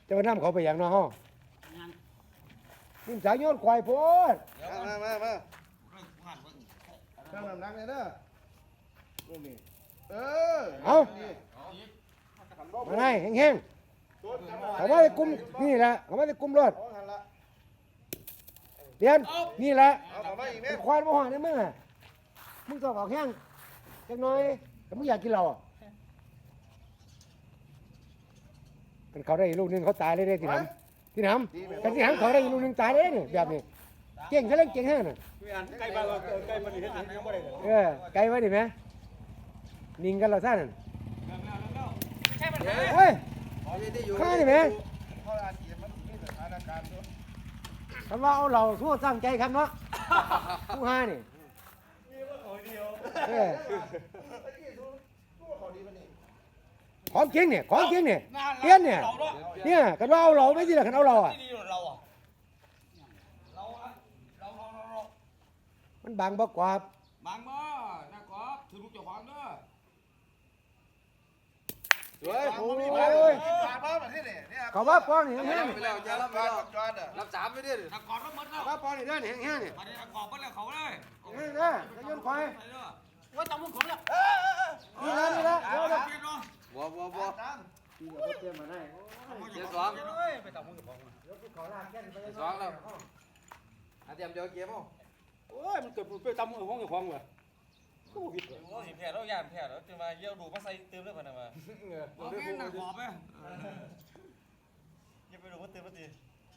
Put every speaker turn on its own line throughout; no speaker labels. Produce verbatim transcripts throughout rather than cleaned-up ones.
จะมานํเขาไปอย่างน้อห้องนี่สายโยนควายโพด
มามามาตั้งน้ำหนักเลยเด้อลูกนี่เออ
เอามาได้แห้งๆเขาว่าจะกุมนี่แหละเขาว่าจะกุมรถเรียนนี่แหละ
เอาเข้ามาอีกไหม
ควายบ่ห่างได้มึงอ่ะมึงต้องออกแห้งจักหน่อยแต่มึงอยากกินเราอ่ะกันเขาได้ลูกนึงเขาตายเลยเด้ที่น้ำที่น้ำกันที่น้ำเขาได้ลูกนึงตายเลยนี่แบบนี้เก่งเขาเล่นเก่งแห้งน่ะ
ไก่บ้านเราไก่มันนี่เฮ็ดหยังยังบ่ได้เลย
เออไกลไว้ดิแม่นิ่งกันเราซ่านั่นเฮ้ยข้าดิแม่
เขาอาเจียมันมีสถานการณ์ด้วย
คำว่าเอาเราทั่วสร้างใจครับเนาะผู้ห้านี่เออของจริงเนี่ยของจริงเนี่ยเตี้ยนเนี่ยเนี่ยกันว่าเอาเราไม่ใช่หรอกันเอาเราอ่ะ
เราอ่ะเราเราเรา
มันบางบ่กว่า
บางบ่นะครับถือลูกเจ้าของเด้อ
สวย
โอ้
โอ้
ย
ปากบ้าแบบนี้เนี่ยเนี่ย
เขาว่าป้อนนี่แห้ง
ไปแล้วจะรับไปแล้วจอดอ่ะรับสามไปดิ
ถ้ากอดก็หมดแล้ว
ๆว่าป้อนนี่เด้อนี่แห้งๆนี่
มาได้กอดไปแล้วเขาเลย
แห้งเด้อจะโยนควาย
ว่าจำมึงของแล้ว
นี่ละนี่ละเดี๋ยวเรา
เก็บเนาะ
บัวบัวบัว
เตรียมมาให้
เจ็ดสองไปจำมึงของ
ขอลากแก้นไป
สองแล้วอาเตรียมเดี๋ยวเกมเอา
โอ้ยมันเกิดไปจำมึงของของเลยก็บ่ผิดเลย
โอ้ยแผลแล้วยานแผลแล้วจะมาเยี่ยวดูมาใส่เติมเลยพนันมา
เอาแม่นหนักขอบไป
เยี่ยไปดูว่าเติมว่าตี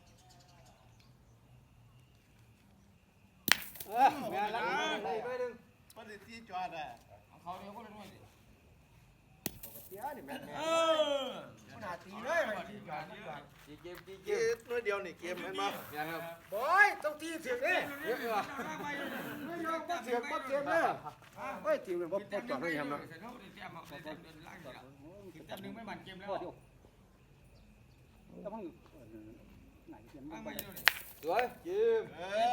เออแม่นแล้ว
ไปดึงปฏิทินจอดอ่ะ
เขาเดียวก็เลยน้อย
เสียนี่แม่
เออ
ขนาดตีเลยมันตีก่อนตีก่อน
จีเกมจีเกมน้อยเดียวนี่เกมเห็นไหมยังครับ
บอยต้องตีเสียงนี่
เยอะอยู่อ่ะ
ไม่ยอมก็เสียงก็เสียงเลยเฮ้ยตีมันบ่ปลดจอดให้ทำเนาะ
จำหนึ่งไม่หมันเกมแล้ว
สวยจีม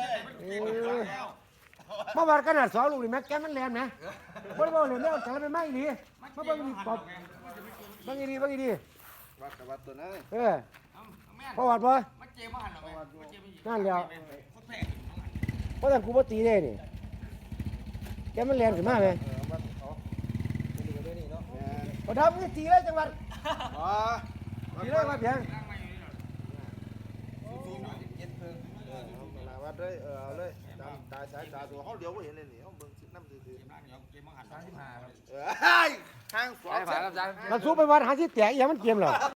เมื่อวานขนาดสองลูกนี่แม็กแกมันแรงนะบ่ได้บ่เลยแล้วแต่ไม่ไม่ดีมาเบิ่งดีปอบเบิ่งดีเบิ่งดี
วัดกับวัดตัวนั้น
เออพอวัดบ่
มันเกมมาหันหรอมันเกมไม่ยิง
นั่นแล้ว
คนแพ้
เพราะแต่กูบ่ตีได้นี่แกมันแรงขึ้นมาแม่
เออวัดเขาไปดูกันด้วยนี่เนาะ
บ่ทำนี่ตีเลยจังหวัด
อ๋อ
ตีเลยมาเพียง
เย็นเพิ่งเออเอาวัดเลยเออเอาเลยตามตาสายตาตัวเขาเดียวก็เห็นเลยนี่เขาเบิ่งน้ำซื่อ
เกมนั้นเดี๋ยวเกมมาหัน
ๆเออห้างสอง
มันสู้ไปวัดหาสิแตกอีหยังมันเกมเหรอ